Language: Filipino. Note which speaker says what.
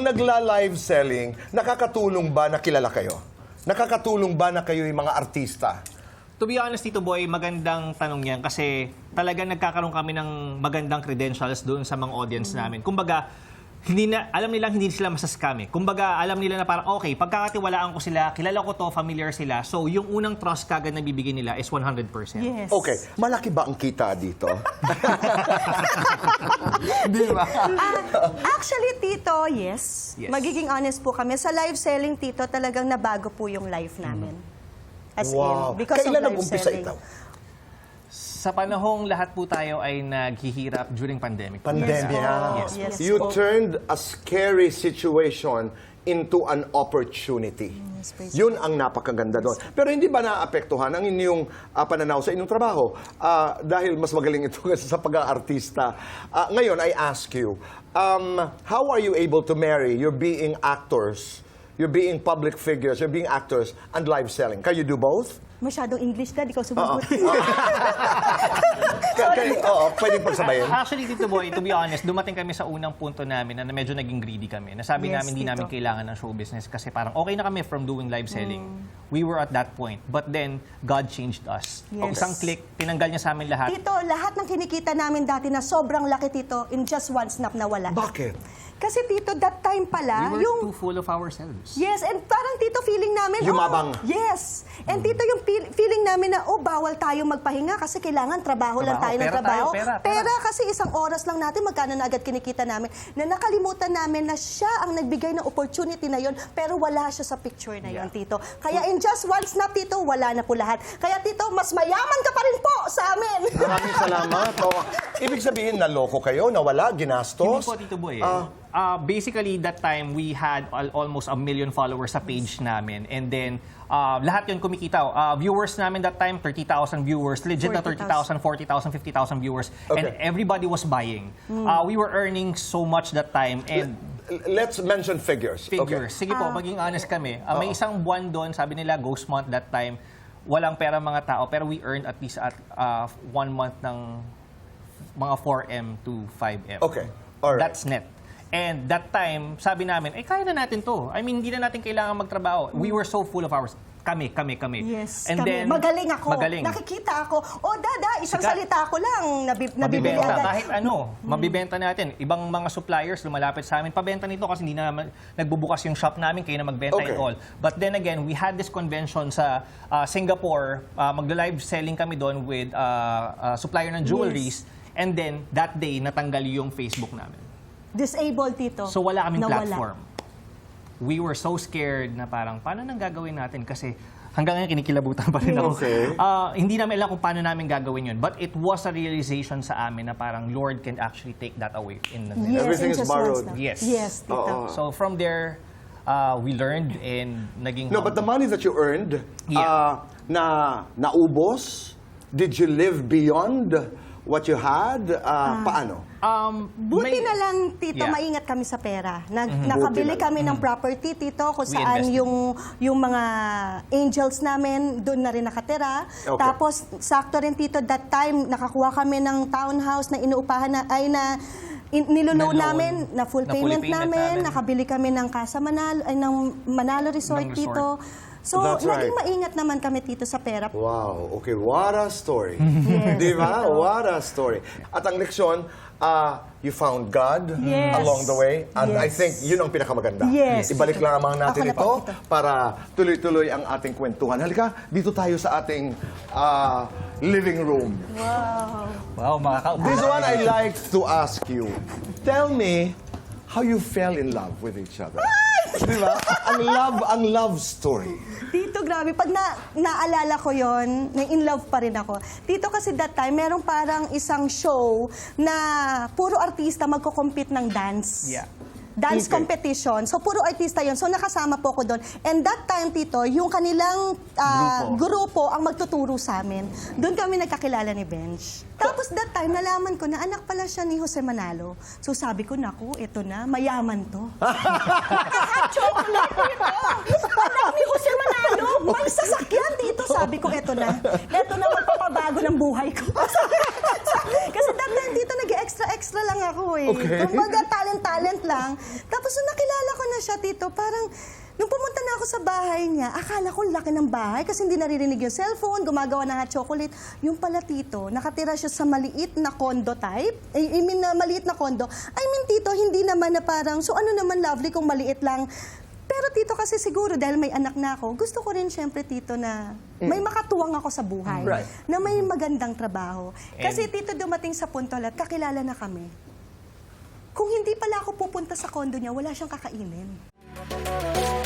Speaker 1: nagla-live selling, nakakatulong ba na kilala kayo? Nakakatulong ba na kayo yung mga artista?
Speaker 2: To be honest, Tito Boy, magandang tanong yan kasi talagang nagkakaroon kami ng magandang credentials doon sa mga audience namin. Kumbaga, alam nilang hindi sila masascam eh. Kumbaga, alam nila na parang, okay, pagkakatiwalaan ko sila, kilala ko to, familiar sila. So, yung unang trust kagad na bibigyan nila is 100%.
Speaker 3: Yes.
Speaker 1: Okay, malaki ba ang kita dito? Di ba?
Speaker 3: Actually, Tito, yes.
Speaker 2: Yes.
Speaker 3: Magiging honest po kami. Sa live selling, Tito, talagang nabago po yung life namin. As
Speaker 1: Wow.
Speaker 3: in, because
Speaker 1: Kailan
Speaker 3: of live
Speaker 1: nag-umpisa
Speaker 3: selling.
Speaker 1: ito?
Speaker 2: Sa panahong lahat po tayo ay naghihirap during pandemic.
Speaker 1: Pandemya.
Speaker 3: Yes, yes.
Speaker 1: You turned a scary situation into an opportunity.
Speaker 3: Yes, praise
Speaker 1: Yun ang napakaganda doon. Pero hindi ba naapektuhan ang inyong pananaw sa inyong trabaho? Dahil mas magaling ito kasi sa pag-aartista. Ngayon, I ask you, how are you able to marry your being actors, you're being public figures, you're being actors, and live selling? Can you do both?
Speaker 3: Masyadong English, Dad. Ikaw sumagot.
Speaker 1: Oo, pwedeng pagsabayin.
Speaker 2: Actually, Tito Boy, to be honest, dumating kami sa unang punto namin na medyo naging greedy kami. Nasabi
Speaker 3: Yes,
Speaker 2: namin hindi
Speaker 3: Tito.
Speaker 2: namin kailangan ng show business kasi parang okay na kami from doing live selling. We were at that point. But then, God changed us.
Speaker 3: Yes.
Speaker 2: Isang click, tinanggal niya sa amin lahat.
Speaker 3: Tito, lahat ng kinikita namin dati na sobrang laki, Tito, in just one snap nawala.
Speaker 1: Bakit?
Speaker 3: Kasi, Tito, that time pala,
Speaker 2: We were
Speaker 3: yung...
Speaker 2: too full of ourselves.
Speaker 3: Yes, and parang, Tito, feeling namin...
Speaker 1: Yumabang.
Speaker 3: Oh, yes. And, Tito, yung feeling namin na, oh, bawal tayo magpahinga kasi kailangan trabaho lang tayo ng
Speaker 2: Pera
Speaker 3: trabaho.
Speaker 2: tayo, pera.
Speaker 3: Kasi isang oras lang natin, magkano na agad kinikita namin, na nakalimutan namin na siya ang nagbigay ng opportunity na yon, pero wala siya sa picture na yon, Tito. Kaya in just one snap, Tito, wala na po lahat. Kaya, Tito, mas mayaman ka pa rin po sa amin.
Speaker 1: Maraming salamat. Ibig sabihin, naloko kayo, nawala,
Speaker 2: Hindi
Speaker 1: ginastos?
Speaker 2: po, Tito Boy. Basically, that time, we had almost 1 million followers sa page namin. And then, lahat yun kumikita. Viewers namin that time, 30,000 viewers. Legit na 30,000, 40,000, 50,000 viewers. And
Speaker 1: Okay.
Speaker 2: everybody was buying. We were earning so much that time. And
Speaker 1: Let's mention figures.
Speaker 2: figures.
Speaker 1: Okay.
Speaker 2: Sige po, maging honest kami. May isang buwan doon, sabi nila, ghost month that time. Walang pera mga tao, pero we earned at least at 1 month ng mga 4M to 5M.
Speaker 1: Okay. Alright.
Speaker 2: That's net. And that time, sabi namin, kaya na natin to. I mean, hindi na natin kailangan magtrabaho. We were so full of ours. Kami.
Speaker 3: Yes,
Speaker 2: And
Speaker 3: kami.
Speaker 2: then,
Speaker 3: magaling ako.
Speaker 2: Magaling.
Speaker 3: Nakikita ako. Oh, Dada, isang
Speaker 2: Sikat.
Speaker 3: salita ko lang. Nabibili
Speaker 2: Mabibenta.
Speaker 3: agad.
Speaker 2: Kahit ano, mabibenta natin. Ibang mga suppliers lumalapit sa amin, pabenta nito kasi hindi na nagbubukas yung shop namin, kayo na magbenta
Speaker 1: Okay.
Speaker 2: and all. But then again, we had this convention sa Singapore. Magla-live selling kami doon with supplier ng jewelries. And then, that day, natanggal yung Facebook namin.
Speaker 3: Disabled, Tito.
Speaker 2: So wala kaming
Speaker 3: Nawala.
Speaker 2: platform. We were so scared na parang, paano nang gagawin natin? Kasi hanggang ngayon kinikilabutan pa rin ako.
Speaker 1: Okay.
Speaker 2: Hindi namin alam kung paano namin gagawin yun. But it was a realization sa amin na parang Lord can actually take that away in the
Speaker 3: Yes,
Speaker 1: Everything
Speaker 3: in
Speaker 1: is
Speaker 3: just one
Speaker 1: borrowed.
Speaker 3: snap.
Speaker 2: Yes.
Speaker 3: Yes, Tito.
Speaker 1: Oo.
Speaker 2: So from there, we learned and naging
Speaker 1: No, but the money that you earned,
Speaker 2: Yeah.
Speaker 1: naubos? Did you live beyond what you had? Paano?
Speaker 3: Buti na lang, Tito,
Speaker 2: Yeah.
Speaker 3: maingat kami sa pera. Nakabili
Speaker 1: Buti na
Speaker 3: kami ng property, Tito, kung
Speaker 2: We
Speaker 3: saan
Speaker 2: invested.
Speaker 3: yung mga angels namin, doon na rin nakatira.
Speaker 1: Okay.
Speaker 3: Tapos, sakto rin, Tito, that time, nakakuha kami ng townhouse na inuupahan niluloan
Speaker 2: Na loan.
Speaker 3: namin, na full
Speaker 2: Na fully
Speaker 3: payment
Speaker 2: payment
Speaker 3: namin,
Speaker 2: namin.
Speaker 3: nakabili kami ng Casa Manalo, ng Manalo Resort,
Speaker 2: Ng resort.
Speaker 3: Tito. So,
Speaker 1: That's right.
Speaker 3: naging maingat naman kami, Tito, sa pera.
Speaker 1: Wow, okay, what a story.
Speaker 3: Yes,
Speaker 1: Di ba?
Speaker 3: totoo.
Speaker 1: What a story. At ang leksyon, you found God
Speaker 3: Yes.
Speaker 1: along the way. And I
Speaker 3: Yes.
Speaker 1: think yun ang pinakamaganda.
Speaker 3: Yes.
Speaker 1: Ibalik lang naman natin
Speaker 3: Ako na
Speaker 1: ito
Speaker 3: po, Tito.
Speaker 1: para tuloy-tuloy ang ating kwentuhan. Halika, dito tayo sa ating living room.
Speaker 2: wow, makakaupo.
Speaker 1: This one I like to ask you. Tell me how you fell in love with each other. Di ba? Ang love story.
Speaker 3: Tito, grabe. Pag naalala ko yon, na-in love pa rin ako. Tito, kasi that time, merong parang isang show na puro artista magko-compete ng dance.
Speaker 2: Yeah.
Speaker 3: Dance
Speaker 1: Okay.
Speaker 3: competition. So, puro artista yon. So, nakasama po ko doon. And that time, Tito, yung kanilang grupo ang magtuturo sa amin. Doon kami nagkakilala ni Benj. Tapos that time, nalaman ko na anak pala siya ni Jose Manalo. So, sabi ko, naku, ito na, mayaman to. chocolate dito. Anak ni Jose Manalo, may sasakyan dito. Sabi ko, eto na magpapabago ng buhay ko. Kasi that time dito nag-extra lang ako eh.
Speaker 1: Okay.
Speaker 3: Kumbaga talent lang. Tapos nung nakilala ko na siya dito, parang nung pumunta na ako sa bahay niya, akala ko laki ng bahay kasi hindi naririnig yung cellphone, gumagawa ng hot chocolate. Yung pala tito, nakatira siya sa maliit na condo type. I mean, maliit na condo. I mean, tito, hindi naman na parang, so ano naman lovely kung maliit lang. Pero tito kasi siguro dahil may anak na ako, gusto ko rin syempre tito na may makatuwang ako sa buhay.
Speaker 1: Right.
Speaker 3: Na may magandang trabaho. Kasi tito dumating sa punto lahat, kakilala na kami. Kung hindi pala ako pupunta sa condo niya, wala siyang kakainin.